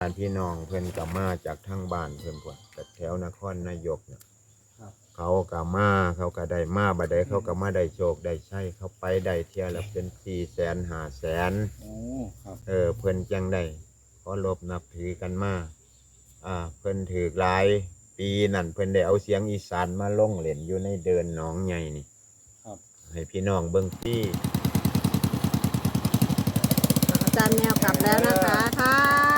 พี่น้องเพิ่นก็มาจากทางบ้านเพิ่นพุ่นจากแถวนครนายกเนี่ยเขาก็มาเขาก็ได้มาบัดใดเขาก็มาได้โชคได้ชัยเขาไปได้เที่ยละเป็น400,000 500,000 โอ้ครับเพิ่นจังได้ขอรบนับถือกันมาเพิ่นถือหลายปีนั่นเพิ่นได้เอาเสียงอีสานมาลงเล่นอยู่ในเดินหนองใหญ่นี่ครับให้พี่น้องเบิ่งฟรีอาจารย์แมวกลับแล้วนะคะค่ะ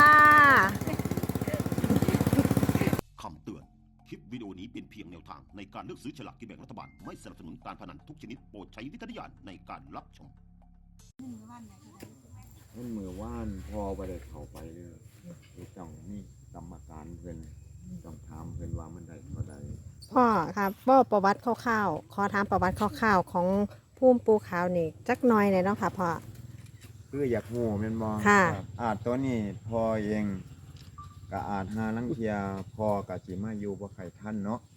คำเตือน คลิปวิดีโอนี้เป็นเพียงแนวทางในการเลือกซื้อฉลากกินแบ่งรัฐบาล ไม่สนับสนุนการพนันทุกชนิดโปรดใช้วิจารณญาณในการรับชมมันมือว่านพอบ่ได้เข้าไปเลยต้องมีกรรมการเพิ่นต้องถามเพิ่นว่ามันได้เท่าใดพ่อครับพ่อประวัติคร่าวๆขอถามประวัติคร่าวๆของภูมิปูขาวนี่จักหน่อยเลยเนาะค่ะพ่อคืออยากฮู้แม่นบ่ค่ะตัวนี้พอเองก็อาจหาลังเที่ยพอก็สิมาอยู่บ่ใครทันเนาะ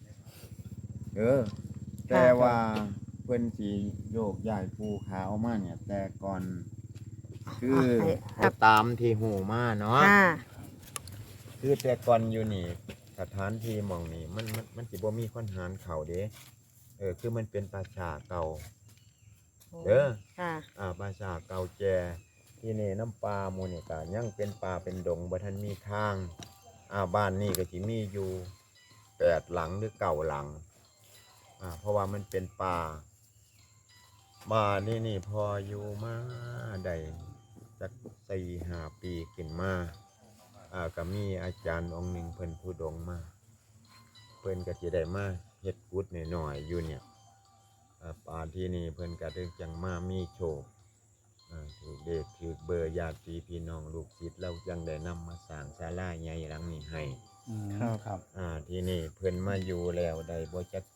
แต่ว่าเพิ่นสิโยกย้ายภูขาวมาเนี่ยแต่ก่อนคือตามที่ฮู้มาเนาะค่ะคือแต่ก่อนอยู่นี่สถานที่หม่องนี้มันสิบ่มีคนหารเข้าเด้คือมันเป็นป่าช้าเก่าค่ะป่าช้าเก่าแก่ที่นี่น้ำปลาหมู่นี่ก็ยังเป็นป่าเป็นดงบ่ทันมีทางบ้านนี้ก็สิมีอยู่8 หลังหรือ9 หลังเพราะว่ามันเป็นป่าบ้านนี่พออยู่มาได้จัก4-5 ปีขึ้นมาก็มีอาจารย์องค์หนึ่งเพิ่นธุดงค์มาเพิ่นก็สิได้มาเฮ็ดกุดหน่อยๆอยู่เนี่ยป่าที่นี่เพิ่นก็ได้จังมามีโชคถูกเด็กถูกเบอร์ญาติพี่น้องลูกศิษย์เราจังได้นำมาสร้างศาลาใหญ่หลังนี้ให้ครับที่นี่เพิ่นมาอยู่แล้วได้บ่จัก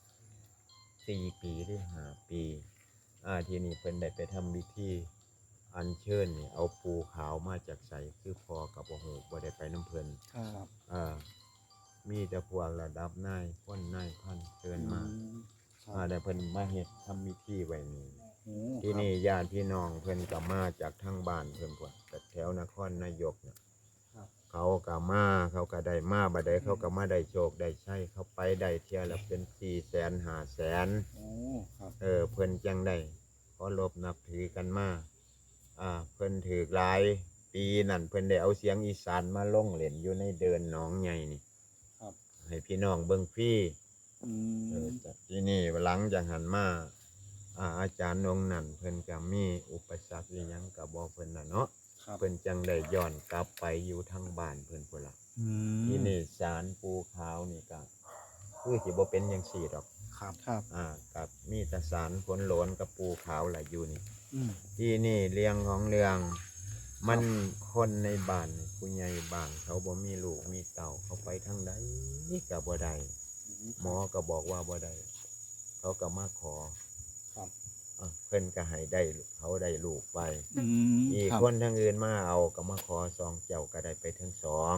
4 ปีหรือ5 ปีที่นี่เพิ่นได้ไปทำพิธีอัญเชิญนี่เอาปูขาวมาจากไสคือพอกับบ่ฮู้บ่ได้ไปน้ำเพิ่นครับมีแต่พวกระดับนายพลนายพันเชิญมาได้เพิ่นมาเฮ็ดทำพิธีไว้นี่ที่นี่ญาติพี่น้องเพิ่นก็มาจากทางบ้านเพิ่นพุ่นจากแถวนครนายกเนี่ยเขาก็มาเขาก็ได้มาบัดใดเขาก็มาได้โชคได้ชัยเขาไปได้เที่ยละเป็น400,000 500,000 โอ้ครับเพิ่นจังได้ขอรบนับถือกันมาเพิ่นถือหลายปีนั่นเพิ่นได้เอาเสียงอีสานมาลงเล่นอยู่ในเดินหนองใหญ่นี่ให้พี่น้องเบิ่งฟรีที่นี่หลังจากหันมาอาจารย์องค์นั้นเพิ่นก็มีอุปสรรคอีหยังก็บ่เพิ่นน่ะเนาะเพิ่นจังได้ย้อนกลับไปอยู่ทางบ้านเพิ่นพุ่นล่ะที่นี่ศาลปูขาวนี่ก็คือสิบ่เป็นจังซี่ดอกครับกับมีแต่ศาลฝนโหลนกับปูขาวล่ะอยู่นี่ที่นี่เรื่องของเรื่องมันคนในบ้านผู้ใหญ่บ้านเขาบ่มีลูกมีเต่าเขาไปทางใดก็บ่ได้หมอก็บอกว่าบ่ได้เขาก็มาขอเพิ่นก็ให้ได้เขาได้ลูกไปอีกคนทางอื่นมาเอาก็มาขอ2 เจ้าก็ได้ไปทั้ง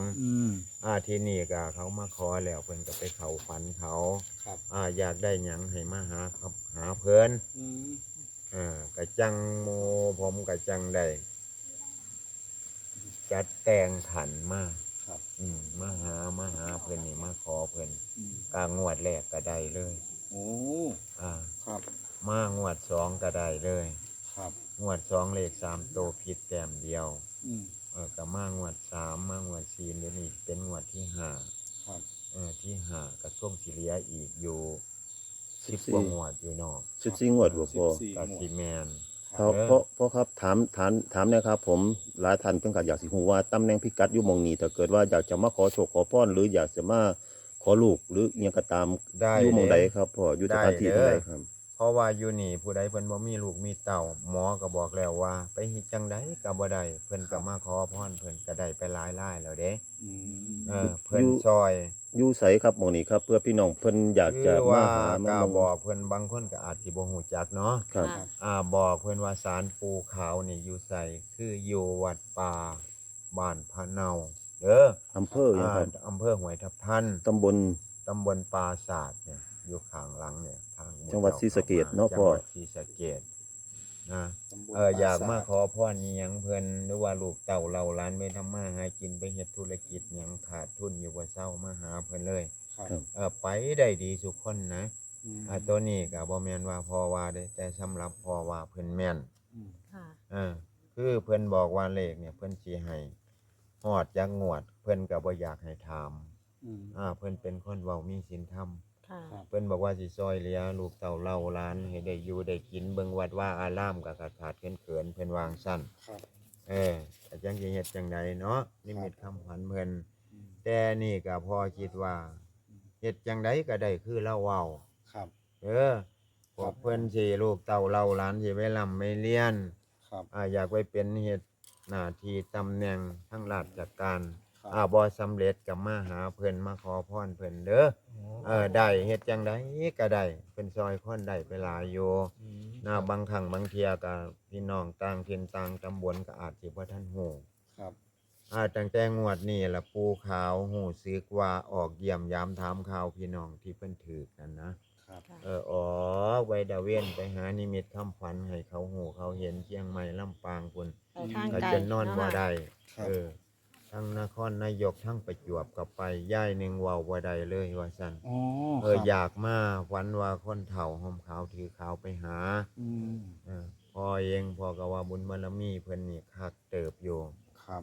2ที่นี่ก็เขามาขอแล้วเพิ่นก็ไปเข้าฝันเขาอยากได้หยังให้มาหาครับหาเพิ่นก็จังโมผมก็จังได้จัดแต่งขันมามาหาเพิ่นนี่มาขอเพิ่นงวดแรกก็ได้เลยโอ้ครับมางวด2ก็ได้เลยงวด2เลข3ตัวผิดแต้มเดียวก็มางวด3มางวด4เดี๋ยวนี้เป็นงวดที่5ที่5ก็ช่วงสิเหลืออีกอยู่10 กว่างวดอยู่เนาะ 14 งวดบ่พอก็สิแม่นเพราะครับถามนะครับผมหลายท่านเพิ่นก็อยากสิฮู้ว่าตำแหน่งพิกัดอยู่หม่องนี้ถ้าเกิดว่าอยากจะมาขอโชคขอพรหรืออยากจะมาขอลูกหรืออิหยังก็ตามอยู่หม่องใดครับพ่ออยู่สถานที่ใดครับเพราะว่าอยู่นี่ผู้ใดเพิ่นบ่มีลูกมีเต้าหมอก็บอกแล้วว่าไปเฮ็ดจังไดก็บ่ได้เพิ่นก็มาขอพรเพิ่นก็ได้ไปหลายรายแล้วเด้เพิ่นซอยอยู่ไสครับหม่องนี้ครับเพื่อพี่น้องเพิ่นอยากจะมาหาก็บอกเพิ่นบางคนก็อาจสิบ่ฮู้จักเนาะครับบอกเพิ่นว่าศาลปูขาวนี่อยู่ไสคืออยู่วัดป่าบ้านพะเนาอำเภอหยังครับอำเภอห้วยทับทันตำบลปราสาทเนี่ยอยู่ข้างหลังเนี่ยทางจังหวัดศรีสะเกษเนาะพ่อจังหวัดศรีสะเกษนะตำบลอยากปรสมาขอพรอิหยังเพิ่นหรือว่าลูกเต่าเราหลานไปทำมาหากินไปเฮ็ดธุรกิจหยังขาดทุนอยู่บ่เซามาหาเพิ่นเลยครับไปได้ดีทุกคนนะอืมตัวนี้ก็บ่แม่นว่าพอว่าเด้แต่สำหรับพอว่าเพิ่นแม่นอืมค่ะคือเพิ่นบอกว่าเลขเนี่ยเพิ่นสิให้ฮอดจักงวด เพิ่นก็บ่อยากให้ถามอืมเพิ่นเป็นคนเว้ามีศีลธรรมค่ะครับเพิ่นบอกว่าสิซอยเหลือลูกเต่าเล่าหลานให้ได้อยู่ได้กินเบิ่งวัดว่าอารามก็ขาดเขินๆเพิ่นวางซั่นครับแต่จังสิเฮ็ดจังใดเนาะนิมิตคำขวัญเพิ่นอืมแต่นี่ก็พอคิดว่าเฮ็ดจังใดก็ได้คือเราเว้าครับพวกเพิ่นสิลูกเต่าเล่าหลานสิไปร่ำไปเรียนครับอยากไปเป็นเฮ็ดหน้าที่ตำแหน่งทางราชการครับบ่สำเร็จก็มาหาเพิ่นมาขอพรเพิ่นเด้อได้เฮ็ดจังใดก็ได้เพิ่นซอยคนได้ไปหลายอยู่อืมบางครั้งบางเที่ยก็พี่น้องต่างถิ่นต่างตำบลก็อาจสิบ่ทันฮู้ครับตั้งแต่งวดนี้ล่ะปู่ขาวฮู้สึกว่าออกเยี่ยมยามถามข่าวพี่น้องที่เพิ่นถูกนั่นนะครับ ออกไว้ดะเว้นไปหานิมิตคำฝันให้เขาฮู้เขาเห็นเชียงใหม่ลำปางพุ่นไปทางก็ไกลจะนอนบ่เาะได้ครับทั้งนครนายกทั้งประจวบก็ไปย่ายหนึงเว้าบ่ได้เลยว่าซั่นอ๋อครับอยากมาฝันว่าคนเฒ่าห่มขาวถือขาวไปหาอืมพ่อเองพ่อก็ว่าบุญบารมีเพิ่นนี่คักเติบอยู่ครับ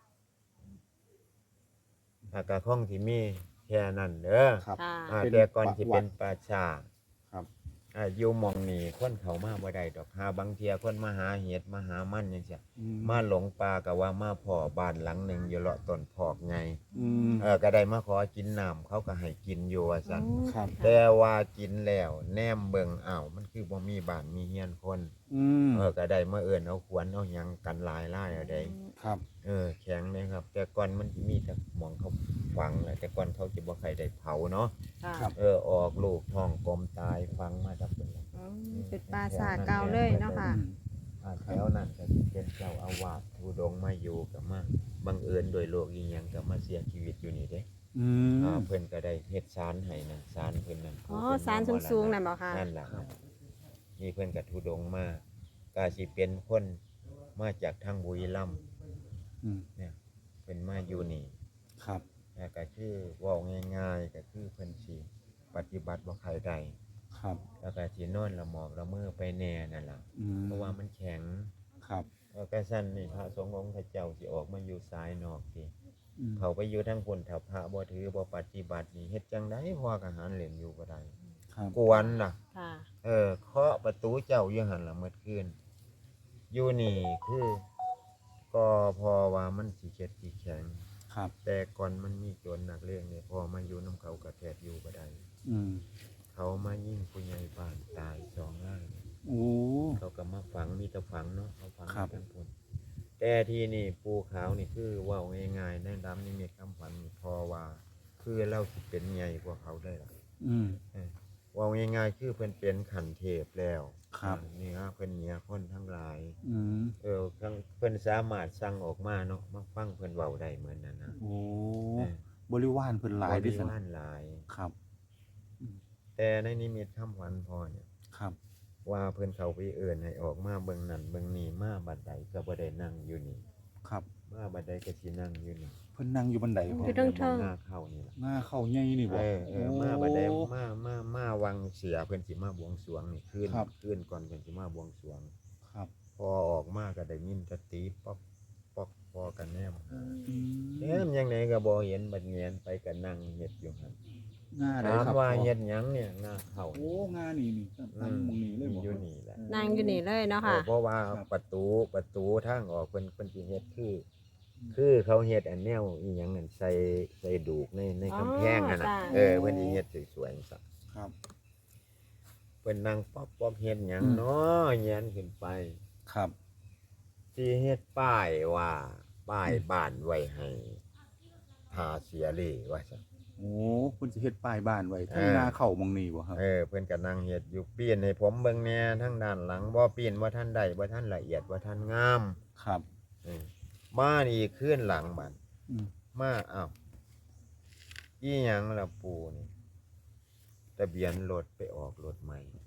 ก็คงสิมีแค่นั้นเด้อครับค่ะเป็นแต่ก่อนสิประวัเป็ตินป่าช้าครับอยู่หม่องนี้คนเขามาบ่ได้ดอกบางเที่ยคนมาหาเห็ดมาหามันจังซี่อืมาหลงป่าก็ว่ามาพ่อบ้านหลังหนึงอยู่เลาะต้นพอกไงอืมก็ได้มาขอกินน้ำเขาก็ให้กินอยู่ว่าซั่นครับแต่ว่ากินแล้วแนมเบิ่งอ้าวมันคือบ่มีบ้านมีเฮียนคนอืมก็ได้มาเอิ้นเอาขวนเอาหยังกันหลายเอาได้ครับแข็งเลยครับ แต่ก่อนมันสิมีแต่หมองเขาฝังแหละแต่ก่อนเขาสิบ่ใครได้เผาเนาะค่ะครับออกลูกท้องกลมตายฝังมาจากเพิ่นล่ะเป็นปราสาทเก่าเลยเนาะค่ะแถวนั้นก็สิเป็นเจ้าอาวาสทุดงค์มาอยู่ก็มาบังเอิญโดยโรคอีหยังก็มาเสียชีวิตอยู่นี่เด้อืมเพิ่นก็ได้เฮ็ดศาลให้นั่นศาลเพิ่นนั่นอ๋อศาลสูงๆนั่นบ่คะนั่นล่ะนี่เพิ่นก็ทุดงค์มาก็สิเป็นคนมาจากทางบุรีรัมย์อืมเนี่ยเพิ่นมาอยู่นี่ครับแล้วก็คือเว้าง่ายๆก็คือเพิ่นสิปฏิบัติบ่ใครได้ครับแล้วก็สินอนละหมอบละเมอไปแน่นั่นล่ะอืมเพราะว่ามันแข็งครับแล้วก็ซั่นนี่พระสงฆ์องค์พระเจ้าสิออกมาอยู่ซ้ายนอกสิอืมเขาไปอยู่ทางพุ่นถ้าพระบ่ถือบ่ปฏิบัตินี่เฮ็ดจังได๋พอก็หารเล่นอยู่บ่ได้ครับกวนล่ะค่ะเคาะประตูเจ้าอยู่หั่นล่ะเมื่อคืนอยู่นี่คือก็พอว่ามันสิเข็ดสิแข็งครับแต่ก่อนมันมีโจรนักเลงเนี่ยพอมาอยู่น้ำเขากระแทบอยู่บ่ได้อืมเขามายิงผู้ใหญ่บ้านตาย2รายโอ้เขาก็มาฝังมีแต่ฝังเนาะเขาฝังครับทั้งพุ่นแต่ที่นี่ปูขาวนี่คือเว้าง่ายๆในดำนี่มีคำฝันนี่พอว่าคือเราสิเป็นใหญ่กว่าเขาได้ล่ะอืมเว้าง่ายๆคือเพิ่นเป็นขันเทพแล้วครับนี่ฮะเพิ่นเหนือคนทั้งหลายอืมทั้งเพิ่นสามารถสั่งออกมาเนาะมาฟังเพิ่นเว้าได้เหมือนนั้นนะโอ้เออบริวารเพิ่นหลายบดิริสันวารหลายครับแต่ในนิมิตคำขวัญพ่อเนี่ยครับว่าเพิ่นเขาไปเอิ้นให้ออกมาเบิ่งนั่นเบิ่งนี่มาบัดใดก็บ่ได้นั่งอยู่นี่ครับมาบัดใดก็สินั่งอยู่นี่เพิ่นนั่งอยู่บันไดพ่ออยู่เทิงหน้าเข้านี่ล่ะหน้าเข้าใหญ่นี่บ่มาบัดใดโอ้มาวังเสียเพิ่นสิมาบวงสรวงนี่คืนครับคืนก่อนเพิ่นสิมาบวงสรวงครับพอออกมาก็ได้ยินแตะตีป๊อกป๊อกพอกันแนมหาอืมแนมยังไงก็บ่เห็นบัดเงียนไปก็นั่งเฮ็ดอยู่หั่นหน้าใดถามครับว่าพ่อเฮ็ดหยังเนี่ยหน้าเข้าโอ้งานนี่นี่ตั้งหมองนี้เลยบ่อยู่นี่แหละนั่งอยู่นี่เลยเนาะค่ะเพราะว่าครับประตูทางออกเพิ่นสิเฮ็ดคือเขาเฮ็ดอันแนวอีหยังนั่นใส่ดูกในกำแพงนั่นน่ะจ้ะเพิ่นสิเฮ็ดสวยๆซักครับเพิ่นนั่งป๊อกๆเฮ็ดหยังอืมเนาะแยนขึ้นไปครับสิเฮ็ดป้ายว่าป้ายบ้านไว้ให้ทาเสียเลยว่าซั่นโอ้เพิ่นสิเฮ็ดป้ายบ้านไว้ทั้งเออหน้าเข้าหมองนี้บ่ครับเพิ่นก็นั่งเฮ็ดอยู่ปีนให้ผมเบิ่งแหน่ทางด้านหลังบ่ปีนบ่ทันได้บ่ทันละเอียดบ่ทันงามครับเออมานี่ขึ้นหลังบัดอืมมาอ้าวอีหยังล่ะปู่นี่ทะเบียนรถไปออกรถใหม่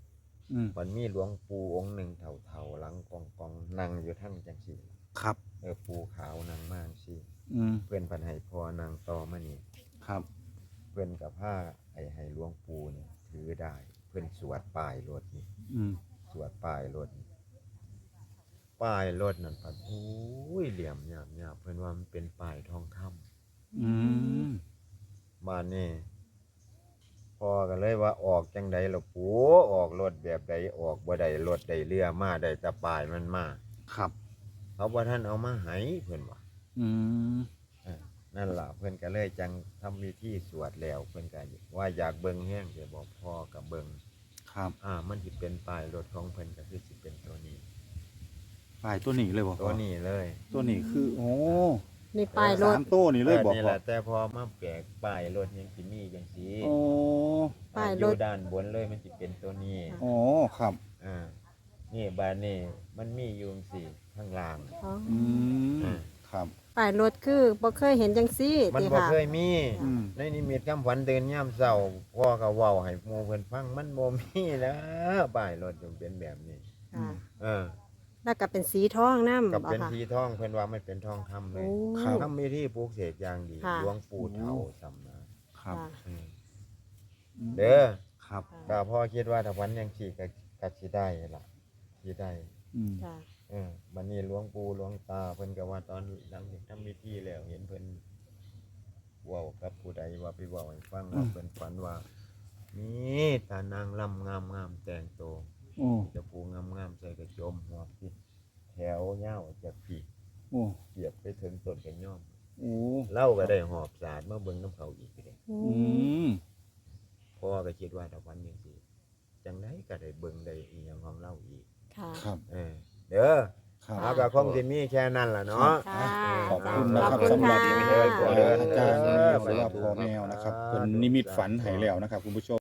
มันมีหลวงปู่องค์หนึ่งเฒ่าๆหลังกองนั่งอยู่ทั้งจังซี่ครับปู่ขาวนางมากสิอืมเพื่อนพันให้พอนางต่อมานี่ครับเพื่อนกับผ้าให้หลวงปู่นี่ถือได้ เพื่อนสวดป้ายรถนี่อืมสวดป้ายรถนี่ป้ายรถนั่นพันโอ้ยเหลี่ยมหยาบเพื่อนว่ามันเป็นป้ายทองคำอืมบ้านนี่พอกันเลยว่าออกจังใดล่ะปู่ออกรถแบบใดออกบ่ได้รถได้เรือมาได้แต่ป้ายมันมาครับเขาว่าท่านเอามาให้เพื่อนว่าอืมนั่นล่ะเพื่อนก็เลยจังทำวิธีสวดแล้วเพื่อนก็ว่าอยากเบิ่งแห้งเดี๋ยวบอกพ่อกับเบิ่งครับมันสิเป็นป้ายรถของเพิ่นก็คือสิเป็นตัวนี้ป้ายตัวนี้เลยบ่ตัวนี้เลยตัวนี้คือ โอ้นี่ป้ายรถสามตัวนี่เลยบ่นี่พ่แหอละแต่พอมาแปลกป้ายรถยังสิมีจังซี่โอ้ป้ายรถอยู่ด้านบนเลยมันสิเป็นตัวนี้โอ้ครับนี่บานนี่มันมีอยู่จังซี่ข้างล่างอ๋ออืมอ่าครับป้ายรถคือบ่เคยเห็นจังซี่มันติบ่ค่ะเคยมีอืมในนิมิตคำฝันตื่นยามเช้าพ่อก็เว้าให้หมู่เพิ่นฟังมันบ่มีแล้วป้ายรถจงเป็นแบบนี้ค่ะเออแล้วก็เป็นสีทองนำกับบ่เป็นค่ะสีทองเพิ่นว่าไม่เป็นทองคำเลโอ้ยทำมีที่ปลูกเสกอย่างดีค่ะหลวงปู่เฒ่าสำนักครับค่ะอืมเด้อครับก็พ่อคิดว่าถ้าวันยังขี่ก็สิได้ล่ะสิได้อืมจ้ะบัดนี้หลวงปู่หลวงตาเพิ่นก็ว่าตอนหลังจากทำพิธีแล้วเห็นเพิ่นเว้ากับผู้ใดว่าไปเว้าให้ฟังว่าเพิ่นฝันว่ามีตานางลำงามๆแต่งโตวโอ้จะปูงามๆใส่กระโจมหัวปิดแถวยาวจากปีโอ้เกียบไปถึงต้นกระย่อมโอ้เล่าก็ได้หอบสารมาเบิ่งน้ำเขาอีกเด้อือืมมพ่อก็คิดว่าถ้าวันยังสิจังไดก็ได้เบิ่งได้อีหยังของเล่าอีกค่ะครับเด้อครับเอาก็คงสิมีแค่นั้นล่ะเนาะค่ะขอบคุณนะครับขอบคุณสำหรับค่ะอาจารย์แมวหรือว่าพ่อแมวนะครับเป็นนิมิตฝันให้แล้วนะครับคุณผู้ชม